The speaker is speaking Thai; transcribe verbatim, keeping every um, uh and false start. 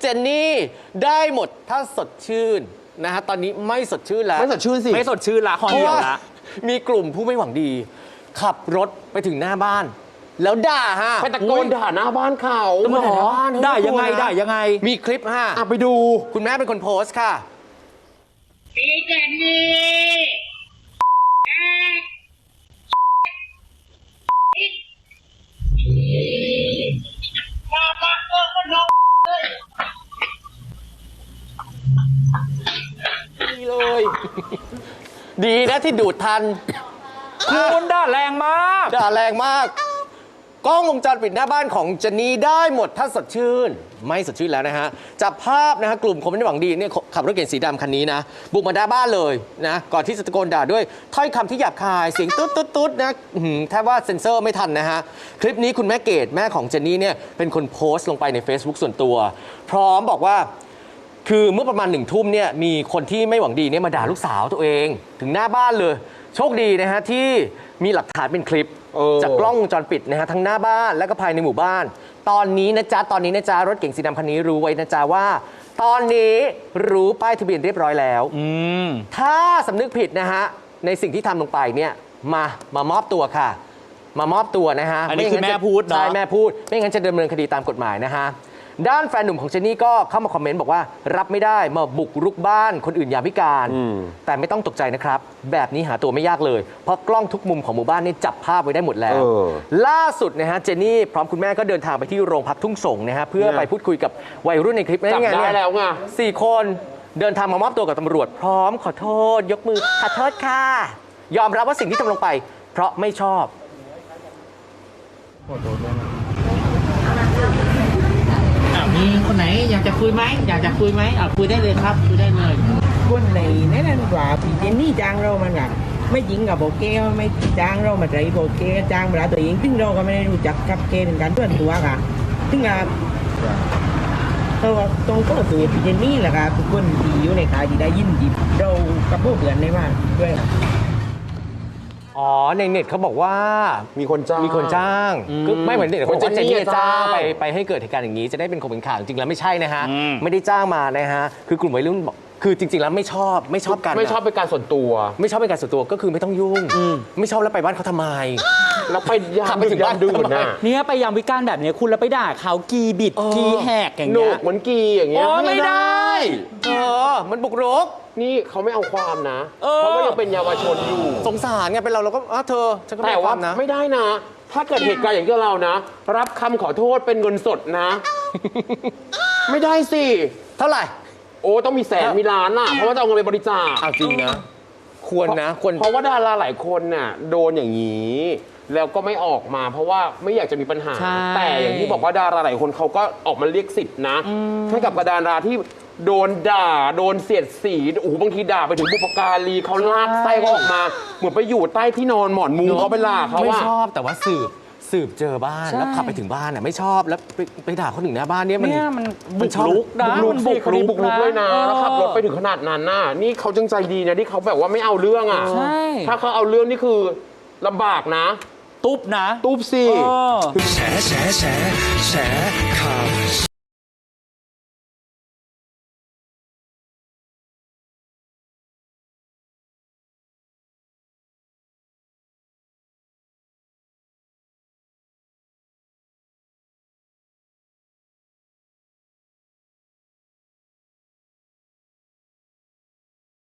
เจนนี่ได้หมดถ้าสดชื่นนะฮะตอนนี้ไม่สดชื่นแล้วไม่สดชื่นสิไม่สดชื่นละคอเดียวละมีกลุ่มผู้ไม่หวังดีขับรถไปถึงหน้าบ้านแล้วด่าฮะไปตะโกนด่าหน้าบ้านเขาตะโกนด่าหน้าบ้านได้ยังไงได้ยังไงมีคลิปฮะอ่ะไปดูคุณแม่เป็นคนโพสต์ค่ะพี่เจนนี่มามาเออคนน้องเลยดีเลยดีนะที่ดูดทันคุณด่าแรงมากด่าแรงมากกล้องวงจรปิดหน้าบ้านของเจนนี่ได้หมดถ้าสดชื่นไม่สดชื่นแล้วนะฮะจับภาพนะฮะกลุ่มคนไม่หวังดีเนี่ยขับรถเก๋งสีดำคันนี้นะบุกมาหน้าบ้านเลยนะก่อนที่จะตะโกนด่าด้วยถ้อยคำที่หยาบคายเสียงตุ๊ดตุ๊ดตุ๊ดนะแทบว่าเซ็นเซอร์ไม่ทันนะฮะคลิปนี้คุณแม่เกดแม่ของเจนนี่เนี่ยเป็นคนโพสต์ลงไปใน Facebook ส่วนตัวพร้อมบอกว่าคือเมื่อประมาณหนึ่งทุ่มเนี่ยมีคนที่ไม่หวังดีเนี่ยมาด่าลูกสาวตัวเองถึงหน้าบ้านเลยโชคดีนะฮะที่มีหลักฐานเป็นคลิปจากกล้องวงจรปิดนะฮะทั้งหน้าบ้านและก็ภายในหมู่บ้านตอนนี้นะจ๊ะตอนนี้นะจ๊ะรถเก๋งสีดำคันนี้รู้ไว้นะจ๊ะว่าตอนนี้รู้ป้ายทะเบียนเรียบร้อยแล้วถ้าสำนึกผิดนะฮะในสิ่งที่ทำลงไปเนี่ยมามามอบตัวค่ะมามอบตัวนะฮะอันนี้คือแม่พูดเนาะใช่แม่พูดไม่งั้นจะดำเนินคดีตามกฎหมายนะฮะด้านแฟนหนุ่มของเจนนี่ก็เข้ามาคอมเมนต์บอกว่ารับไม่ได้มาบุกรุกบ้านคนอื่นยามวิการแต่ไม่ต้องตกใจนะครับแบบนี้หาตัวไม่ยากเลยเพราะกล้องทุกมุมของหมู่บ้านนี่จับภาพไว้ได้หมดแล้วล่าสุดนะฮะเจนนี่พร้อมคุณแม่ก็เดินทางไปที่โรงพักทุ่งสงนะฮะเพื่อไปพูดคุยกับวัยรุ่นในคลิปจับได้แล้วไงสี่คนเดินทางมามอบตัวกับตำรวจพร้อมขอโทษยกมือขอโทษค่ะยอมรับว่าสิ่งที่ทำลงไปเพราะไม่ชอบมีคนไหนอยากจะคุยไหมอยากจะคุยไหมอ่ะคุยได้เลยครับคุยได้เลยคนไหนแน่นอนว่าพี่เจนนี่จ้างเรามันอ่ะไม่จริงกับโบเก้ไม่จ้างเรามาใจโบเก้จ้างมาตัวเองซึ่งเราก็ไม่ได้รู้จักกับเก้เป็นการเพื่อนตัวค่ะซึ่งอ่ะเราตรงก็ตัวพี่เจนนี่แหละค่ะทุกคนที่อยู่ในขายที่ได้ยินดีเรากับพวกเพื่อนในบ้านด้วยอ๋อในเน็ตเขาบอกว่ามีคนจ้างมีคนจ้างก็ไม่เหมือนเน็ตเขาบอกว่าเจนนี่จ้างไปไปให้เกิดเหตุการณ์อย่างนี้จะได้เป็นคนเป็นข่าวจริงๆแล้วไม่ใช่นะฮะไม่ได้จ้างมานะฮะคือกลุ่มวัยรุ่นบอกคือจริงๆแล้วไม่ชอบไม่ชอบกันไม่ชอบเป็นการส่วนตัวไม่ชอบเป็นการส่วนตัวก็คือไม่ต้องยุ่งไม่ชอบแล้วไปบ้านเขาทำไมแล้วไปยามไปถึงบ้านดูนะเนี่ยไปยามวิการแบบนี้คุณแล้วไปด่าเขากีบิดกีแหกอย่างเงี้ยเหมือนกีอย่างเงี้ยไม่ได้เออมันบุกรุกนี่เขาไม่เอาความนะเพราะว่ายังเป็นเยาวชนอยู่สงสารไงเป็นเราเราก็อ่ะเธอฉันก็ไม่เอาความนะไม่ได้นะถ้าเกิดเหตุการณ์อย่างที่เรานะรับคำขอโทษเป็นเงินสดนะไม่ได้สิเท่าไหร่โอ้ต้องมีแสนมีล้านอ่ะเพราะว่าจะเอาเงินไปบริจาคเอาจริงนะควรนะควรเพราะว่าดาราหลายคนน่ะโดนอย่างนี้แล้วก็ไม่ออกมาเพราะว่าไม่อยากจะมีปัญหาแต่อย่างที่บอกว่าดาราหลายคนเขาก็ออกมาเรียกสิทธินะให้กับดาราที่โดนด่าโดนเสียดสีโอ้โหบางทีด่าไปถึงบุปการีเขาลากไส้เขาออกมาเหมือนไปอยู่ใต้ที่นอนหมอนมุ้งเขาไปลากเขาไม่ชอบแต่ว่าสืบสืบเจอบ้านแล้วขับไปถึงบ้านอ่ะไม่ชอบแล้วไปไปด่าคนหนึ่งหน้าบ้านเนี่ยมันมันบุกรุกนะมันบุกรุกบุกรุกเลยนะแล้วขับรถไปถึงขนาดนั้นน่ะนี่เขาจังใจดีนะที่เขาแบบว่าไม่เอาเรื่องอ่ะถ้าเขาเอาเรื่องนี่คือลำบากนะตุ๊บนะตุ๊บสิแฉแฉแฉแฉ